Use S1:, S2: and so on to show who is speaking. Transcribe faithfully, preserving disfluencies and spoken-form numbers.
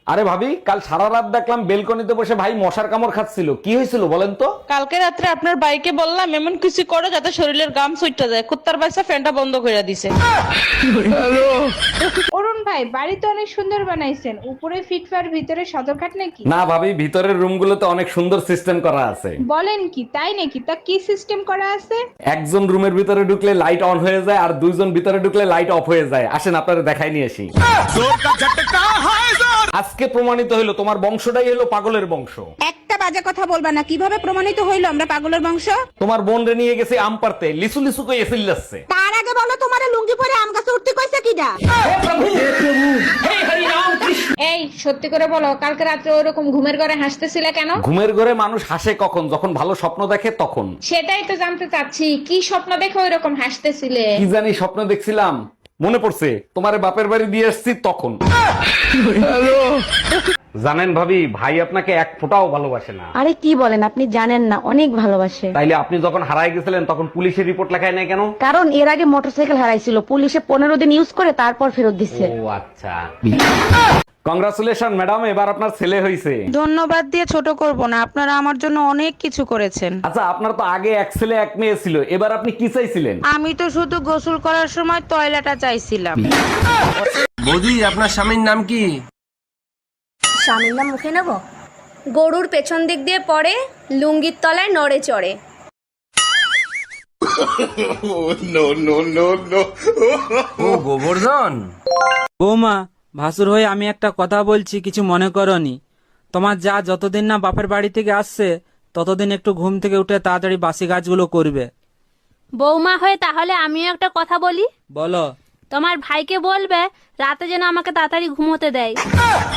S1: আরে ভাবি, কাল সারা রাত দেখলাম বেলকনিতে বসে ভাই মশার কামড় খাচ্ছিল, কি হয়েছিল বলেন তো?
S2: কালকে রাত্রে আপনার বাইকে বললাম এমন কিছু করো যাতে শরীরের গাম সুইটটা যায়, কুত্তার বাচ্চা ফ্যানটা বন্ধ করে দিছে।
S3: অরুণ ভাই, বাড়ি তো অনেক সুন্দর বানাইছেন, উপরে ফিটফার ভিতরে সদরঘাট নাকি?
S1: না ভাবি, ভিতরের রুমগুলোতে অনেক সুন্দর সিস্টেম করা আছে।
S3: বলেন কি, তাই নাকি? তা কি সিস্টেম করা আছে?
S1: একজন রুমের ভিতরে ঢুকলে লাইট অন হয়ে যায় আর দুইজন ভিতরে ঢুকলে লাইট অফ হয়ে যায়। আসেন আপনারা দেখাই নিয়ে আসি। আজকে প্রমাণিত হইলো তোমার বংশটাই হলো পাগলের বংশ।
S4: একটা বাজে কথা বলবা না। কিভাবে প্রমাণিত হইলো আমরা পাগলের বংশ?
S1: তোমার বোন রে নিয়ে গেছে আম পারতে, লিসু লিসু কই এসিল যাচ্ছে।
S4: তার আগে বলো, তোমার লুঙ্গি পরে আম গাছে উঠতে কইছে কিডা?
S3: এই সত্যি করে বলো, কালকে রাত্রে ওরকম ঘুমের ঘরে হাসতেছিলে কেন?
S1: ঘুমের ঘরে মানুষ হাসে কখন? যখন ভালো স্বপ্ন দেখে তখন।
S3: সেটাই তো জানতে চাচ্ছি, কি স্বপ্ন দেখে ওইরকম হাসতেছিলে?
S1: কি জানি স্বপ্ন দেখছিলাম, মনে পড়ছে তোমারে বাপের বাড়ি দিয়ে আসছি তখন। জানেন ভাবি, ভাই আপনাকে এক ফোঁটাও ভালোবাসে না।
S5: আরে কি বলেন, আপনি জানেন না, অনেক ভালোবাসে।
S1: তাইলে আপনি যখন হারায় গেছিলেন তখন পুলিশের রিপোর্ট লেখায় নাই কেন?
S5: কারণ এর আগে মোটরসাইকেল হারাইছিল, পুলিশে পনেরো দিন ইউজ করে তারপর ফেরত দিচ্ছে।
S1: ও আচ্ছা। কংগ্রাচুলেশন ম্যাডাম, এবার আপনার ছেলে হয়েছে।
S2: ধন্যবাদ দিয়ে ছোট করব না, আপনারা আমার জন্য অনেক কিছু করেছেন।
S1: আচ্ছা, আপনার তো আগে এক ছেলে এক মেয়ে ছিল, এবার আপনি কি চাইছিলেন?
S2: আমি তো শুধু গোসল করার সময় টয়লেটটা চাইছিলাম।
S6: বৌদি, আপনার স্বামীর নাম কি?
S7: স্বামীর নাম মুখে নেব? গরুর পেছন দিক দিয়ে পড়ে, লুঙ্গির তলায় নড়ে চড়ে।
S6: ও গোবর্ধন।
S8: বৌমা, ভাসুর হয়ে আমি একটা কথা বলছি, কিছু মনে করনি। তোমার যা যতদিন না বাপের বাড়ি থেকে আসছে ততদিন একটু ঘুম থেকে উঠে তাড়াতাড়ি বাসি কাজগুলো করবে।
S9: বৌমা হয়ে তাহলে আমিও একটা কথা বলি।
S8: বলো।
S9: তোমার ভাইকে বলবে রাতে যেন আমাকে তাড়াতাড়ি ঘুমোতে দেয়।